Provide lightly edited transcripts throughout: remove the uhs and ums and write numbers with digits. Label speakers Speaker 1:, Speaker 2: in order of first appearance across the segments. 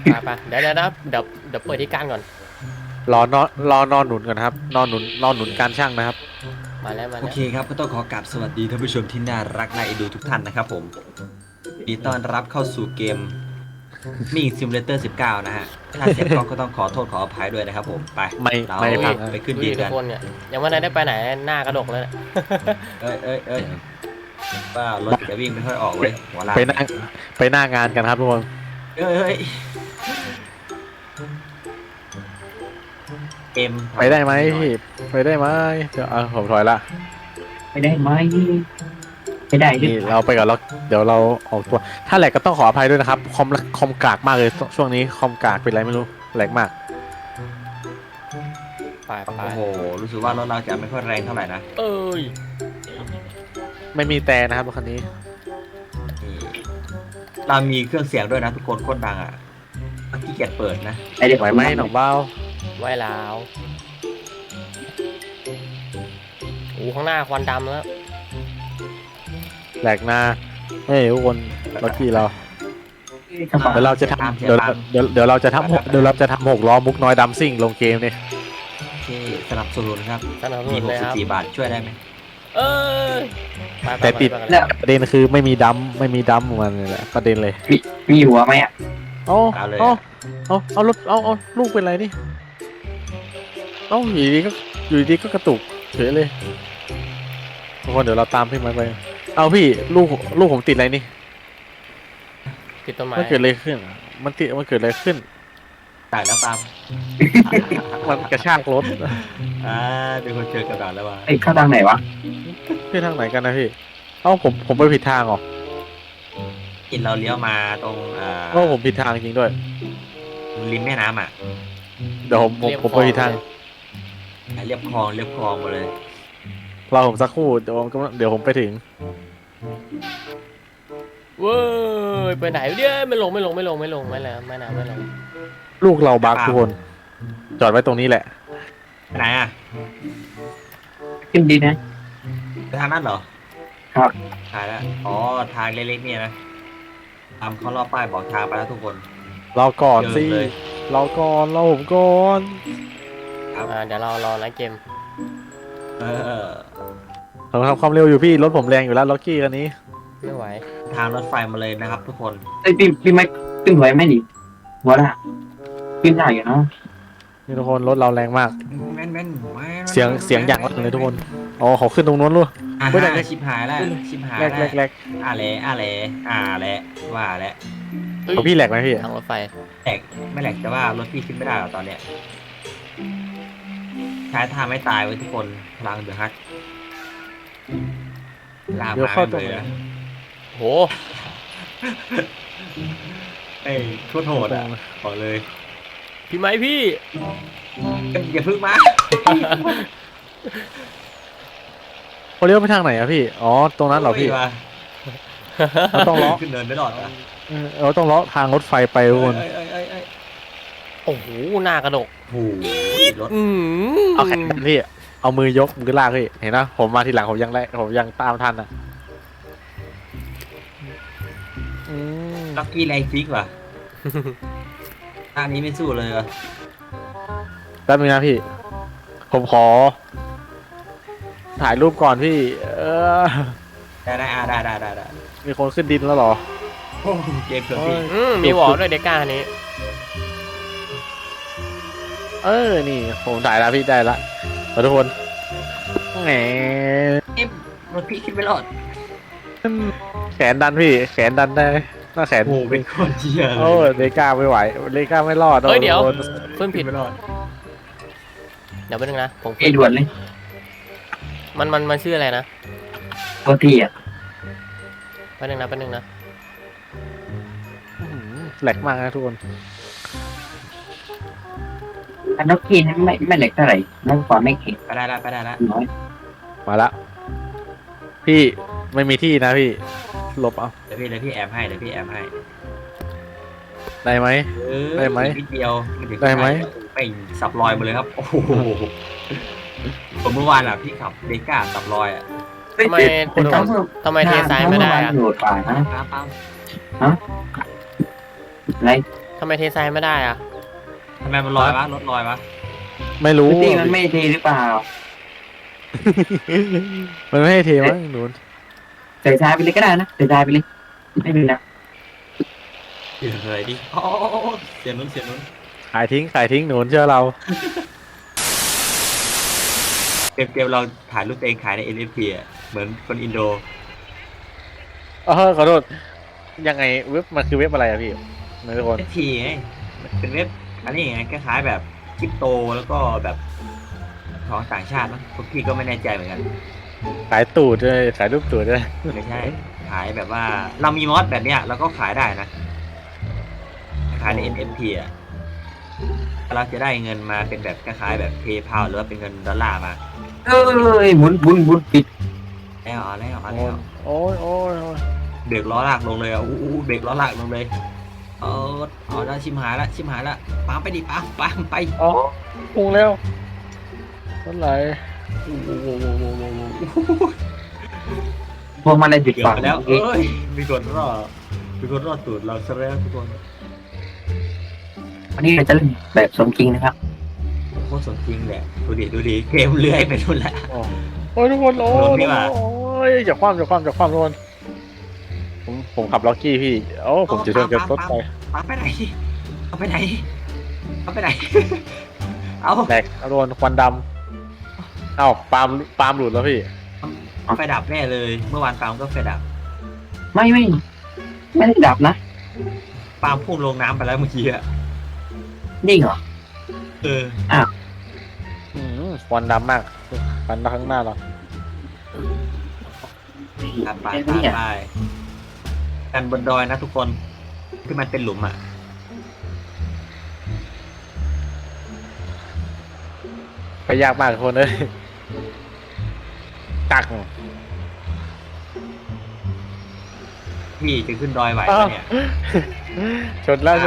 Speaker 1: ไปเดี๋ยวเปิดที่การก่อน
Speaker 2: รอนอนหนุนก่อนครับนอนหนุนการช่างนะครับ
Speaker 1: มา
Speaker 3: โอ
Speaker 1: แล้ว
Speaker 3: เคครับก็ต้องขอกราบสวัสดีท่านผู้ชมที่น่ารักน่าเอ็นดูทุกท่านนะครับผมยินดีต้อนรับเข้าสู่เกมมิ่งซิมูเลเตอร์19นะฮะถ้าเสียงกล้องก็ต้องขอโทษขออภัยด้วยนะครับผมไปเรา
Speaker 2: ไม่พัง
Speaker 3: ไปขึ้น
Speaker 1: ดู
Speaker 3: ดี
Speaker 1: ดิทุ
Speaker 3: กั
Speaker 1: ก
Speaker 3: น
Speaker 1: คนเนี่ยยังไม่ได้ไปไหนหน้ากระดกเลย
Speaker 3: เอ้ยว่ารถจะวิ่งไม่ค่อยออกเว้ยหัวลาก
Speaker 2: ไปหน้างานกันครับทุกคน
Speaker 3: เอ้ยเอ็ม
Speaker 2: ไปได้ไหมพี่ไปได้ไหมเดี๋ยวผมถอยละ
Speaker 4: ไม่ได้ไหมไม่ได้ดิ
Speaker 2: นี่เราไปก่อนแล้วเดี๋ยวเราออกตัวถ้าแหลกก็ต้องขออภัยด้วยนะครับคอมกากมากเลยช่วงนี้คอมกากเป็นไรไม่รู้แหลกมาก
Speaker 1: ไป
Speaker 3: โอ้โหรู้สึกว่ารถเราจะไม่ค่อยแรงเท่าไหร่นะ
Speaker 1: เอ้ย
Speaker 2: ไม่มีแต่นะครับรถคันนี้
Speaker 3: นี่เรามีเครื่องเสียงด้วยนะทุกคนโคตรดังอ่ะขี้เกียจเปิดนะ
Speaker 4: ไอเด็ก
Speaker 2: ไหวไหมหนองเบ้า
Speaker 1: ไว้แล้วโอ้ข้างหน้าควันดำแล้ว
Speaker 2: แหลกหน้าเฮ้ยทุกคนรถพี่เรา
Speaker 4: กระเป๋า
Speaker 2: เดี๋ยวเราจะทำเดี๋ยวเราจะทำหกล้อมุกน้อยดัมซิ่งลงเกมนี่
Speaker 3: โอเคสนับสนุนครับ
Speaker 1: สนับส
Speaker 3: มี
Speaker 1: นุนเลยครับ
Speaker 3: 64 บาทช่วยได้ไหม
Speaker 1: เอ้ยไป
Speaker 2: แต่ติด
Speaker 1: ไป
Speaker 4: แล้ว
Speaker 2: ประเด็นคือไม่มีดัมของมันเลยแหละประเด็นเลย
Speaker 4: มีหัวไหมอ่ะ
Speaker 3: เอาเลย
Speaker 2: เอารถเอาลูกเป็นไรนี่อยู่ดีก็กระตุกเฉยเลยทุกคนเดี๋ยวเราตามพี่ไม้ไปเอาพี่ลูกผมติดอะไรนี่
Speaker 1: ติดต้นไม้
Speaker 2: มันเกิดอะไรขึ้นมันเกิดอะไรขึ้น
Speaker 3: จ่ายแล้วตาม
Speaker 2: มันกระชากรถ
Speaker 3: เป็นคนเจอกระดาษแล้วว่ะ
Speaker 4: ไอ้เข้าทางไหนวะ
Speaker 2: พี่ทางไหนกันนะพี่ผมไปผิดทางเหรอ
Speaker 3: กินเราเลี้ยวมาตรง
Speaker 2: ผมผิดทางจริงด้วย
Speaker 3: ริมแม่น้ำอ่ะ
Speaker 2: เดี๋ยวผมไปผิดทาง
Speaker 3: เรียบคลองมาเลย
Speaker 2: รอผมสักครู่เดี๋ยวผมไปถึง
Speaker 1: เว้ยไปไหนเนี่ยไม่ลงแล้วไม่นะไม่ลง
Speaker 2: ลูกเราบักทุกคนจอดไว้ตรงนี้แหละ
Speaker 3: ไปไหนอ่ะ
Speaker 4: ขึ้นดีนะ
Speaker 3: ไปทางนั้นเหรอ
Speaker 4: ครับ
Speaker 3: ถ่ายแล้วอ๋อทางเล็กๆเนี่ยนะตามเขารอบป้ายบอกทางไปแล้วทุกคน
Speaker 2: รอก่อนสิ
Speaker 3: เดินเลย
Speaker 2: รอก่อนรอผมก่อน
Speaker 1: เดี๋ยวเรารอไลฟ์เกม
Speaker 3: เออ
Speaker 2: ผมทำความเร็วอยู่พี่รถผมแรงอยู่แล้วล็อกกี้คันนี้
Speaker 1: ไม่ไหว
Speaker 3: ทางรถไฟมาเลยนะครับ ทุกคน
Speaker 4: ไอ้พี่ไม่ขึ้นไหวไหมนี่หัวละขึ้นได้อยู่เนาะ
Speaker 2: นี่ทุกคนรถเราแรงมาก
Speaker 3: แม่น
Speaker 2: เสียงอย่างลั่นเลยทุกคนอ๋อเขาขึ้นตรงนู้นลูก ไม่ได้
Speaker 3: ชิบหายแล้วชิบหาย
Speaker 2: แร
Speaker 3: แล้ว
Speaker 2: ก
Speaker 3: อะไรว่าแล้ว
Speaker 2: ของพี่แหลกไหมพี่
Speaker 1: ทางรถไฟ
Speaker 3: แหลกไม่แหลกแต่ว่ารถพี่ขึ้นไม่ได้หรอกตอนเนี้ยใช้ท่าไม่ตายไว้ทุกคนพลังเดือดฮักลาม
Speaker 2: เดี๋ยว
Speaker 3: มา
Speaker 2: เข้าตรง
Speaker 3: เลย
Speaker 2: ไหน
Speaker 3: นะ
Speaker 1: โห
Speaker 3: เอ้ยโคตรโหดอ่ะบอกเลย
Speaker 1: พี่ไม้พี่
Speaker 3: อย่าพึ่งมา
Speaker 2: เขาเลี้ยวไปทางไหนอะพี่อ๋อตรงนั้นเหรอพี่
Speaker 3: โยว่ะ
Speaker 2: เราต้องล้อ
Speaker 3: ขึ้นเนินไม่รอดอ่ะ
Speaker 2: เราต้องล้อทางรถไฟไปทุกคน
Speaker 3: เอ้ย
Speaker 1: โอ้โหหน้ากระดก
Speaker 3: โอ้โหรถ
Speaker 2: เอาแขนดันพี่เอามือยกมือลากพี่เห็นนะผมมาทีหลังผมยังตามทันอ่ะอืม
Speaker 3: ล็อกกี้ไรฟิกว่ะท่านี้ไม่สู้เลยว่ะ
Speaker 2: แป๊บนึงนะพี่ ผมขอ ถ่ายรูปก่อนพี่
Speaker 3: ได้
Speaker 2: มีคนขึ้นดินแล้วเหรอ
Speaker 3: โอ้โหเกมเกือบพี่
Speaker 1: มีวอลด้วยเด็กก้าคันนี้
Speaker 2: นี่ผมถ่ายแล้วพี่ได้ละขอทุกคนแหม
Speaker 3: รถพี่ขึ้นไม่รอด
Speaker 2: แขนดันพี่ แขนดันได้หน้าแขน
Speaker 3: โอ้โหเป็นคนเชี่ยเล
Speaker 2: โอ้
Speaker 3: ย
Speaker 2: เลก้าไม่ไหวเลก้าไม่รอด
Speaker 1: เฮ้ยเดี๋ยว
Speaker 2: โน
Speaker 1: ขึ้นผิด
Speaker 3: ไม่รอด
Speaker 1: เดี๋ยวแป๊บนึงนะผม
Speaker 4: ไอ้ด่วนเลย
Speaker 1: มันชื่ออะไรนะ
Speaker 4: ตัวที่อ่ะ
Speaker 1: แป๊บนึงนะ
Speaker 2: อื้อหือแหลกมากนะทุกคน
Speaker 4: อันนกกี้นั้นไม่เหล็กเท่าไหร่น้องกว่าไม่เก่ง
Speaker 3: ไปได้ละ
Speaker 4: น้อย
Speaker 2: มาละพี่ไม่มีที่นะพี่หลบเอา
Speaker 3: เดี๋ยวพี่แอมให้
Speaker 2: ได้ไหม ได้ไหม
Speaker 3: นิดเดียวถึง
Speaker 2: ได้ไหม
Speaker 3: ไม่สับรอยมาเลยครับโอ้โหผมเมื่อวานอ่ะพี่ขับเดก้าสับรอยอ่ะ
Speaker 1: ทำไมทำไมเทซ้ายไม่ได้อะ
Speaker 4: โหดกว่านะ
Speaker 3: ปั๊ม
Speaker 4: อะไร
Speaker 1: ททำไมเททรายไม่ได้อะ
Speaker 3: ทำไมมันลอยวะรถลอยวะ
Speaker 2: ไม่รู้
Speaker 4: พี่มันไม่เทหรือเปล่า
Speaker 2: มันไม่ให้เทมั้งหนู
Speaker 4: ใส่ทรายไปเลยก็ได้นะใส่ทรายไปเลยไม่เป็นไร
Speaker 3: เดี๋ยวอะไรดิอ๋อเสียงนู้นเสียงนู้น
Speaker 2: ขายทิ้งหนูเชื่อเรา
Speaker 3: เกมเราถ่ายรูปตัวเองขายใน NFT อ่ะเหมือนคนอินโด
Speaker 2: ขอโทษยังไงเว็บมันคือเว็บอะไรอะพี่นะทุกคน
Speaker 3: NFT ไงเป็นเว็บอันนี้ไงคล้ายๆแบบคริปโตแล้วก็แบบของต่างชาติมั้งพวกพี่ก็ไม่แน่ใจเหมือนกัน
Speaker 2: ขายตูดด้วยขายรูปตูดด้วย
Speaker 3: ไม่ใช่ขายแบบว่าเรามีมอสแบบเนี้ยเราก็ขายได้นะขายใน NFT อ่ะเราจะได้เงินมาเป็นแบบคล้ายๆแบบ PayPal หรือว่าเป็นเงินดอลลาร์มา
Speaker 4: เอ้ยหมุนปิด
Speaker 3: แล้วเอาแล้วเอา
Speaker 2: โอ้
Speaker 3: แล้ว
Speaker 2: โอ้ย
Speaker 3: เบรกล้อลากลงเลยอ่ะอู้เบรกล้อลากลงเลยเอาแล้วชิมหายละปั๊มไปดิปั๊มไป
Speaker 2: อ๋อพุงแล้วเท่าไหร่
Speaker 4: พวงมาลัยปิด
Speaker 3: เกือ
Speaker 4: ปา
Speaker 3: บ
Speaker 4: ก
Speaker 3: ไปแล้ว
Speaker 4: เมื่อกี้
Speaker 3: เอ้ยมีคนรอดตูดเราซะแล้วทุกคน
Speaker 4: วันนี้เราจะเล่นแบบสมจริงนะครับ
Speaker 3: โคตรสมจริงแหละดูดิเกมเลื้อยไปนู่นแหละ
Speaker 2: โอ้ยทุกคนโอ้
Speaker 3: โดนพี่ว่ะ
Speaker 2: ยอย่าคว่ำทุกคนผมขับล็อกกี้พี่โอ้ผมจะโดนกระรถไป
Speaker 3: ปั๊มไปไหนเอาไปไหน เอา
Speaker 2: แตกโดนควันดำเอ้าปาล์มหลุดแล้วพี่
Speaker 3: ไฟดับแน่เลย เมื่อวานปาล์มก็ไฟดับ
Speaker 4: ไม่ได้ดับนะ
Speaker 3: ปาล์มพุ่งลงน้ำไปแล้วเมื่อกี้อะ
Speaker 4: นี่เหรอ
Speaker 3: เออ
Speaker 2: ควันดำมากควันข้างหน้าเรา
Speaker 3: ไปกันบนดอยนะทุกคนที่มันเป็นหลุมอ่ะ
Speaker 2: ไปยากมากทุกคนเลยตัก
Speaker 3: พี่จะขึ้นดอยไหวไหมเนี่ย
Speaker 2: ชนแล้ว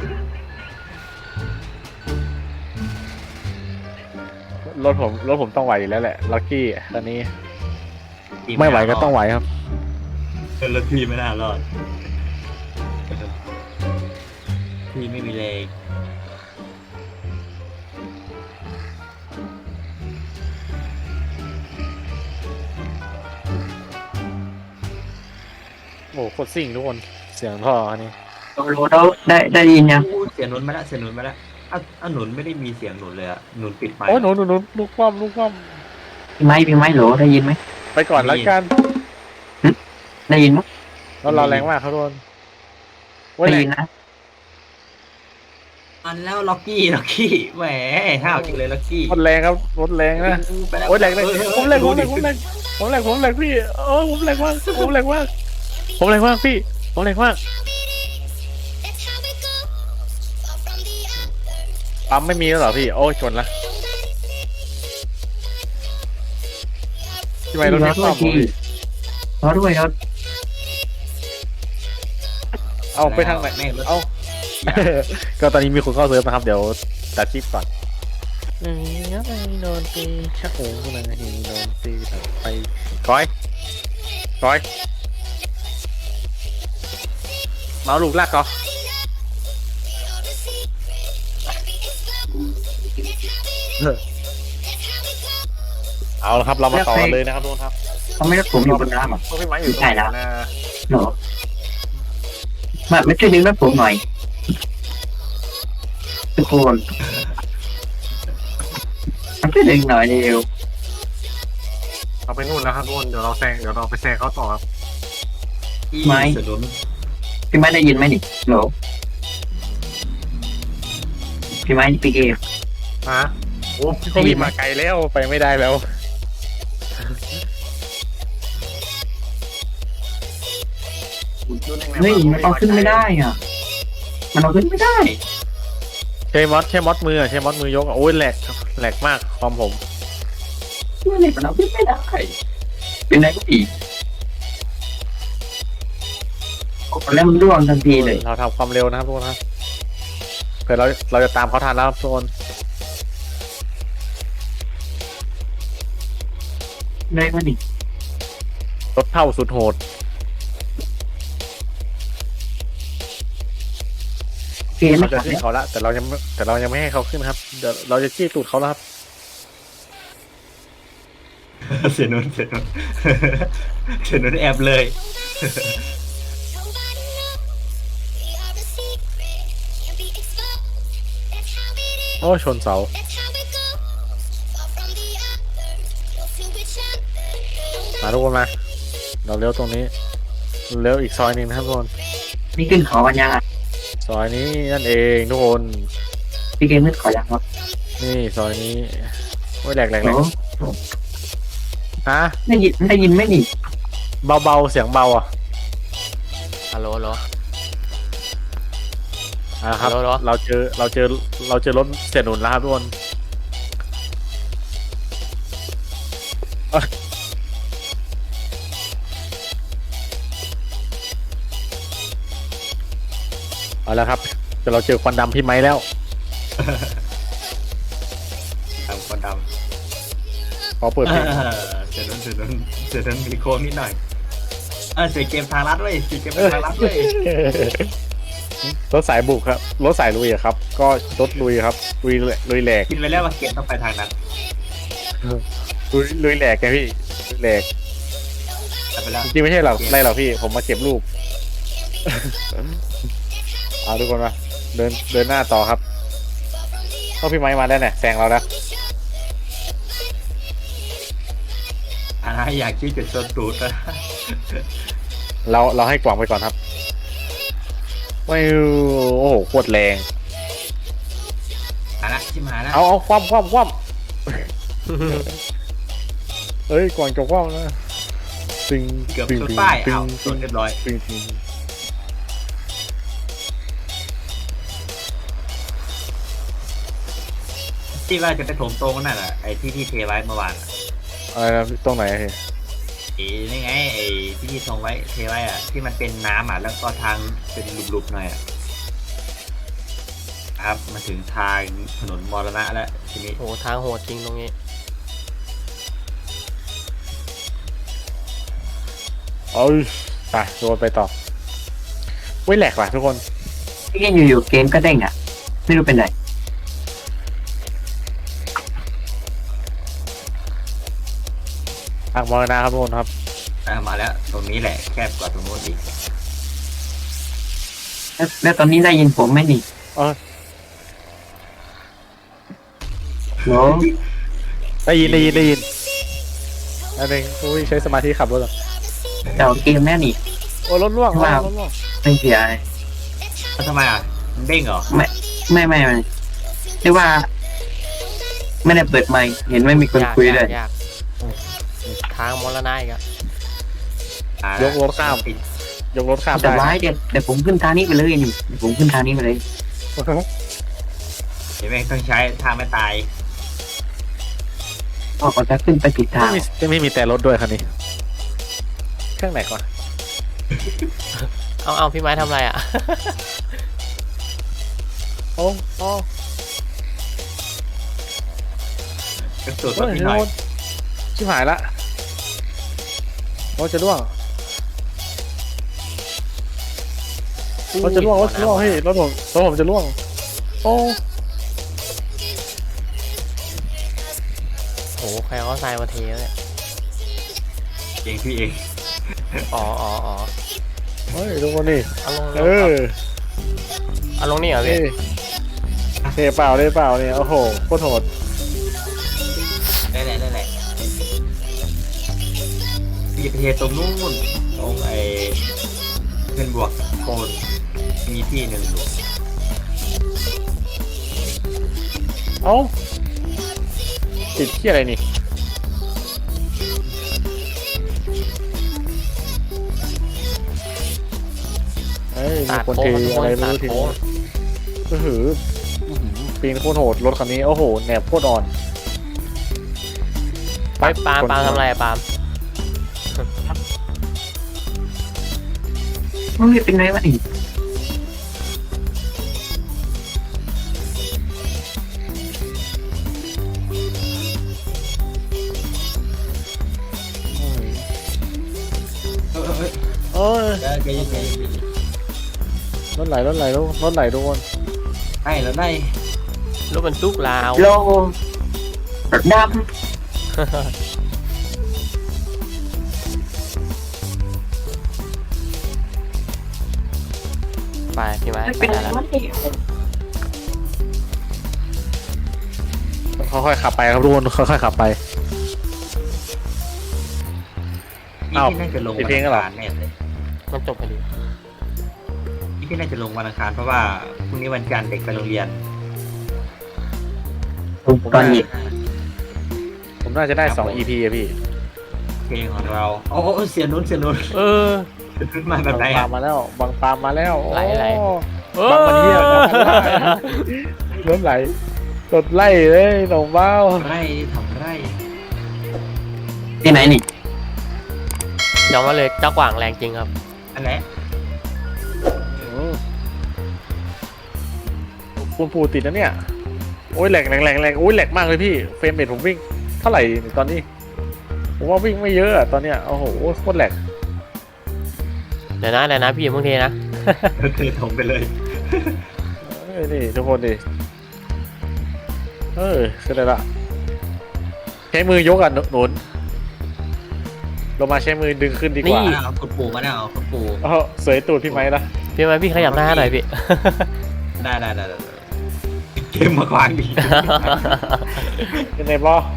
Speaker 2: รถผมต้องไหวอยู่แล้วแหละล็อกกี้ตอนนี้ไม่ไหวก็ต้องไหวครับ
Speaker 3: แล้วพี่ไม่น่ารอดพี่ไม่มีแรง
Speaker 2: โอ้โหโคตรซิ่งทุกคนเสียงท่ออันนี้
Speaker 4: โหลได้ยินยัง
Speaker 3: เสียงหนุนมาแล้วอ้าวหนุนไม่ได้มีเสียงหนุนเลยอะหนุนปิดไมค์
Speaker 2: โอ้หนูลูกคว่ำ
Speaker 4: พี่ไม้โหลได้ยินไหม
Speaker 2: ไปก่อนแล้วกัน
Speaker 4: ได้ยินไหม
Speaker 2: แล้วเราแรงมากครับทุกคนว่า
Speaker 4: ได้
Speaker 2: แร
Speaker 4: ยิ
Speaker 2: ง
Speaker 4: นนะ
Speaker 3: มันแล้วล็อกกี้แหมห้าวจริงเลยล็อกกี้
Speaker 2: รถแรงครับรถแรงนะ
Speaker 3: ไปแล้ว
Speaker 2: โอ้ยแรงผมแรง
Speaker 3: ดูดิ
Speaker 2: พี่โอ้ผมแรงมากพี่ผมแรงมากปั๊มไม่มีแล้วเหรอพี่โอ้ยชนละที่ไม่รถไม่ซ่อมพี่
Speaker 4: รอด้วยรถ
Speaker 2: เอาไปทางไหน
Speaker 3: แม่งรถ
Speaker 2: เอา ก็ตอนนี้มีคนเข้าเซิร์ฟนะครับเดี๋ยวตัดคลิปก่อนโดนตีชักโอ้โหโดนตีไปก้อยเมาลูกลากก่อนเอาละครับเรามาต่อกันเลยนะครับทุกคนครับ
Speaker 4: เขาไม่รับผมอยู่บนน้ำอ่ะ
Speaker 2: พวกพี่ไม้อยู่ตรง
Speaker 4: ใช่แล้ว
Speaker 2: นะ
Speaker 4: เหรอมาไม่ช่วยดึงรถผมหน่อยทุกคนมาช่วยดึงหน่อยเร็ว
Speaker 2: เราไปนู่นแล้วครับทุกคนเดี๋ยวเราไปแซงเขาต่อครับ
Speaker 3: ที่สนุน
Speaker 4: พี่ไม้ได้ยินไหมนี่เหรอพี่ไม้พี่เอฟ
Speaker 2: ฮะโอ้พี่รีบมาไกลแล้วไปไม่ได้แล้ว
Speaker 4: เฮ้ยมันเอาขึ้นไม่ได้อ่ะมันเอาขึ้นไม่ได้
Speaker 2: ใช้มอสมือยกโอ้ยแหลกมากความผม
Speaker 4: มันเอาขึ้นไม่ได้เป็นไรก็อีกแล้วมันร่วงทันทีเลย
Speaker 2: เราทำความเร็วนะครับทุกคนครับเผื่อเราจะตามเขาทันแล้วครับทุกคน
Speaker 4: ได้มาดิ
Speaker 2: รถเท่าสุดโหด
Speaker 4: พี่ไม่
Speaker 2: เขา
Speaker 4: ข
Speaker 2: จะ
Speaker 4: อ
Speaker 2: ขึ้นเขาละแต่เรายังไม่ให้เขาขึ้นครับเดี๋ยวเราจะจี้ตูดเขาแล้วครับ
Speaker 3: เสียนุ่นเสียนุ่น เสียนุ่นแอบเลย
Speaker 2: โอ้ชนเสามาทุกคนมาเราเลี้ยวตรงนี้เลี้ยวอีกซอยหนึ่งนะครับทุกคน
Speaker 4: นี่ขึ้นเขาวันยังอ่ะ
Speaker 2: ซอยนี้นั่นเองทุกคน
Speaker 4: พี่เกมขึ้นเขายังครับ
Speaker 2: นี่ซอยนี้โอ้ยแหลก
Speaker 4: โอ้
Speaker 2: ฮะ
Speaker 4: ได้ยินไหมนี่
Speaker 2: เบาเสียงเบาอ่ะ
Speaker 1: ฮัลโหลฮัลโหล
Speaker 2: ครับ
Speaker 1: ฮัลโหล
Speaker 2: เราเจอรถเสียหนุนแล้วครับทุกคนเอาแล้วครับแต่เราเจอควันดำพี่ไม้แล้ว
Speaker 3: ดำคนด
Speaker 2: ขอเปิดเพลง
Speaker 3: ำเสียนุ่นเสียนุ่นเสียนุ่นมีโค้งนิดหน่อยเสียเกมทางลัดเว้ยเสียเกมทางลัดเว้ย
Speaker 2: รถสายบุกครับรถสายลุยอะครับ ก็รถลุยครับลุยแหลก
Speaker 3: คิดไปแล้วว่าเกมต้องไปทางนั้น
Speaker 2: ลุยแหลกไงพี่ลุยแหลก
Speaker 3: ไปไปแล้ว
Speaker 2: จริงๆไม่ใช่หรอกไรหรอกพี่ผมมาเก็บรูป เอาทุกคนมาเดินหน้าต่อครับก็พี่ไม้มาแล้วเนี่ยแซงเราแล้ว
Speaker 3: อยากคิดจุดชนตูดนะ
Speaker 2: เราให้กล่องไปก่อนครับไม่โอ้โหโคตรแรง
Speaker 3: มาละชิมหายละ
Speaker 2: เอาคว่ำเอ้ยกล่องจะคว่ำนะตึง
Speaker 3: เกือบ
Speaker 2: ตึง
Speaker 3: ชน
Speaker 2: ตึง
Speaker 3: ป้าย
Speaker 2: ตึ
Speaker 3: เอา
Speaker 2: ง
Speaker 3: ชนเรียบร้อย
Speaker 2: ตึง
Speaker 3: ที่ว่าจะไปถมตรงนั่นแหละไอ้ที่เทไว้เมื่อวานอะ
Speaker 2: อะไรนะตรงไหนพี่
Speaker 3: ไอ้นี่ไงไอ้ที่ทงไว้เทไว้อะที่มันเป็นน้ำอ่ะแล้วก็ทางเป็นหลุมๆหน่อยอ่ะครับมาถึงทางถนนมรณะแล้วทีนี้
Speaker 1: โอ้ทางโหดจริงตรงนี้
Speaker 2: เอ้ยไปโดนไปต่อเว้ยแหลกว่ะทุกคน
Speaker 4: พี่เกมอยู่ๆเกมก็เด้งอ่ะไม่รู้เป็นไร
Speaker 2: ทางมรณะครับทุกคนครับ
Speaker 3: มาแล้วตรงนี้แหละแคบกว่าตรงโน้นอีก
Speaker 4: แล้วตอนนี้ได้ยินผมไหมนี่
Speaker 2: เออ
Speaker 4: โห
Speaker 2: ได้ยินอันนึงอุ้ยใช้สมาธิขับรถเหรอ
Speaker 4: เจ้าเกมแน่นี่
Speaker 2: โอ้รถล่วง
Speaker 4: ว้าว
Speaker 2: รถล่วง
Speaker 4: ไม่เสีย
Speaker 3: แล้วทำไมอ่ะมันเด้งเหรอ
Speaker 4: ไม่เรียกว่า ไม่ได้เปิดไมค์เห็นไม่มีคนคุยเลย
Speaker 1: ยากทางมรณะอีกอะ
Speaker 2: ยกรถข้าม
Speaker 4: แต่
Speaker 2: ได้
Speaker 4: ร้ายเดี๋ยวผมขึ้นทางนี้ไปเลยนี่เดี๋ยวผมขึ้นทางนี้ไปเลย
Speaker 3: เห็นไหมต้องใช้ทางไม่ตาย
Speaker 4: ก็จะขึ้นไปผิดทาง
Speaker 2: ไม่มีแต่รถด้วยคันนี้เครื่องไหนก่อน
Speaker 1: เอาพี่ไม้ทำอะไรอะ
Speaker 2: โอ้โอ้
Speaker 3: กระสุน
Speaker 2: เฮ้
Speaker 3: รถ
Speaker 2: ย
Speaker 3: พี่หน่อย
Speaker 2: ชิบหายละรถจะล่วงรถจะล่วงเฮ้ยรถผมจะล่วงโอ้
Speaker 1: โหใครเขาทรายมาเทวะเนี่ย
Speaker 3: เองพี่เอง
Speaker 1: อ๋อ
Speaker 2: เฮ้ยทุกคนนี่
Speaker 1: เอาลง
Speaker 2: เออ
Speaker 1: เอาลงนี่เหรอพี่
Speaker 2: เทเปล่าเนี่ยโอ้โหโคตรโหด
Speaker 3: ได้แหละพี่ไปเทตรงนู้นตรงไอ้เป็นบวกโคนมีที่หนึ่งอยู่
Speaker 2: เอ้าติดที่อะไรนี่เฮ้ยมี
Speaker 1: ตัด
Speaker 2: คน
Speaker 1: โค้
Speaker 2: เท
Speaker 1: งทุกค
Speaker 2: อะไร
Speaker 1: น
Speaker 2: ไม่
Speaker 1: ตัด
Speaker 2: รู้ที
Speaker 1: โค้ง
Speaker 2: ก็หือปีนโคตรโหดรถคันนี้โอ้โหแหนบโคตรอ่อน
Speaker 1: ไปปาล์มทำอะไรอะปาล์ม
Speaker 4: เฮ้ยเป็นไรวะนี่
Speaker 3: เฮ้ย
Speaker 2: เอ้ย
Speaker 3: ใจเย็น
Speaker 2: รถไหลทุกคน
Speaker 3: ได้แล้วได้
Speaker 1: รถบรรทุกลาว
Speaker 4: โลด
Speaker 1: ไปพี่ไม้
Speaker 4: ำไม่
Speaker 1: ไป
Speaker 4: เป็นไร
Speaker 1: แล้ว
Speaker 4: วะ
Speaker 2: ค่อยๆขับไปครับทุกคนค่อยๆขับไป
Speaker 3: นี่
Speaker 2: อ้าว
Speaker 3: พี่น่าจะลง
Speaker 2: ปิ
Speaker 3: วั
Speaker 2: ด
Speaker 3: น
Speaker 2: เพลง
Speaker 3: อั
Speaker 2: แล้ว
Speaker 3: ง
Speaker 2: เหรอ
Speaker 3: คารแน่เลย
Speaker 1: มันจบพอดี
Speaker 3: นี่พี่น่าจะลงวันอังคารเพราะว่าพรุ่งนี้วันจันทร์เด็กไปโรงเรียน
Speaker 4: ตอนนี้
Speaker 2: ผมน่าจะได้2 EP อะพี่
Speaker 3: เพลงของเราโอ้เสียนุ่น
Speaker 1: เออ
Speaker 3: ขึ้นมาแบบ
Speaker 2: บาง
Speaker 3: ไหน
Speaker 2: ปา
Speaker 3: อะ
Speaker 2: มมาแล้วบางปามมาแล้ว
Speaker 1: ไหล
Speaker 2: โอ้บางมันเที่ยวบางมันไล่รถไหลรถไล่เลยหนองเบ้า
Speaker 3: ไร่ทำไร่
Speaker 4: ที่ไหนนี่
Speaker 1: ยอมมาเลยเจ้ากว่างแรงจริงครับ
Speaker 3: อันไหน
Speaker 2: คุณปูติดนะเนี่ยโอ้ยแหลกโอ้ยแหลกมากเลยพี่เฟรมเรทผมวิ่งเท่าไหร่ตอนนี้ผมว่าวิ่งไม่เยอะอะตอนเนี้ยโอ้โหโคตรแหลก
Speaker 1: เดี๋ยวนะพี่อย่าเพิ่งเทนะ
Speaker 3: ก็คือถมไปเลย
Speaker 2: นี่ทุกคนดิขึ้นได้ละใช้มือยกอ่ะหนุนลงมาใช้มือดึงขึ้นดีกว่า
Speaker 1: นี่
Speaker 3: เอาคุณปู่มาเนี่ยเอาคุณปู่
Speaker 2: สวยตูดพี่ไม้นะ
Speaker 1: พี่ไม้พี่ขยับหน้าหน่อยพี่
Speaker 3: ได้เกมมาควางดี
Speaker 2: เป็นไงบอ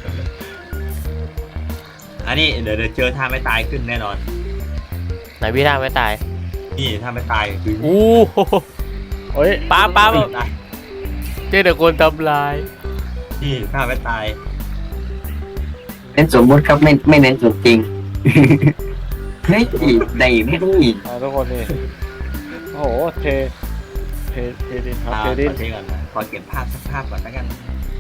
Speaker 3: อันนี้เดี๋ยวเจอท่าไม่ตายขึ้นแน่นอน
Speaker 1: ไหนพี่ท่าไม่ตาย
Speaker 3: นี่ท่าไม่ตายคือ
Speaker 1: อู้
Speaker 2: โอ้ย
Speaker 1: ป้า
Speaker 3: ไม่ตาย
Speaker 1: เจอแต่คนทำลาย
Speaker 3: นี่ท่าไม่ตาย
Speaker 4: เน้นสมมุติครับไม่เน้นสมจริง เฮ้ยได้ไม่ได้
Speaker 2: ทุกคนนี่โอ้โหเทดินครับ
Speaker 3: ข
Speaker 2: เท
Speaker 3: อ
Speaker 2: ดิน
Speaker 3: เทก่อนนะขอเก็บภาพสักภาพก่อนแล้วกัน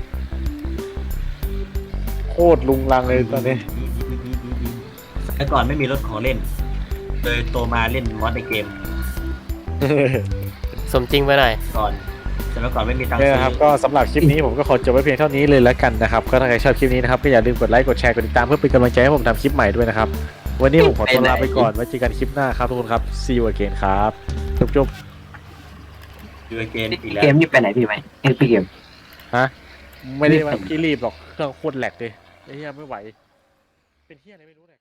Speaker 2: โคตรลุงลังเลยตอนนี้
Speaker 3: แต่ก่อนไม่มีรถของเล่นเลยโตมาเล่นมอดในเกม
Speaker 1: สมจริงไปหน่อย
Speaker 3: ก่อนสมัยก่อนไม่มีตังค์
Speaker 2: เนี่ย
Speaker 3: ซื้
Speaker 2: นะครับ
Speaker 3: อ
Speaker 2: ก็สำหรับคลิปนี้ผมก็ขอจบไว้เพียงเท่านี้เลยแล้วกันนะครับก็ถ้าใครชอบคลิปนี้นะครับก็อย่าลืมกดไลค์กดแชร์กดติดตามเพื่อเป็นกำลังใจให้ผมทำคลิปใหม่ด้วยนะครับวันนี้ผมขอตัวลาไปก่อนไว้เจอกันคลิปหน้าครับทุกคนครับ see you again ครับจบ
Speaker 3: ดูเกมอีกแล้ว
Speaker 4: เกมนี่ไปไหนพี่ไหมพี่เกม
Speaker 2: ไม่ได้ว่าพี่รีบหรอกเครื่องโคตรแหลกเลยไอ้เหี้ยไม่ไหวเป็นเหี้ยอะไรไม่รู้เนี่ย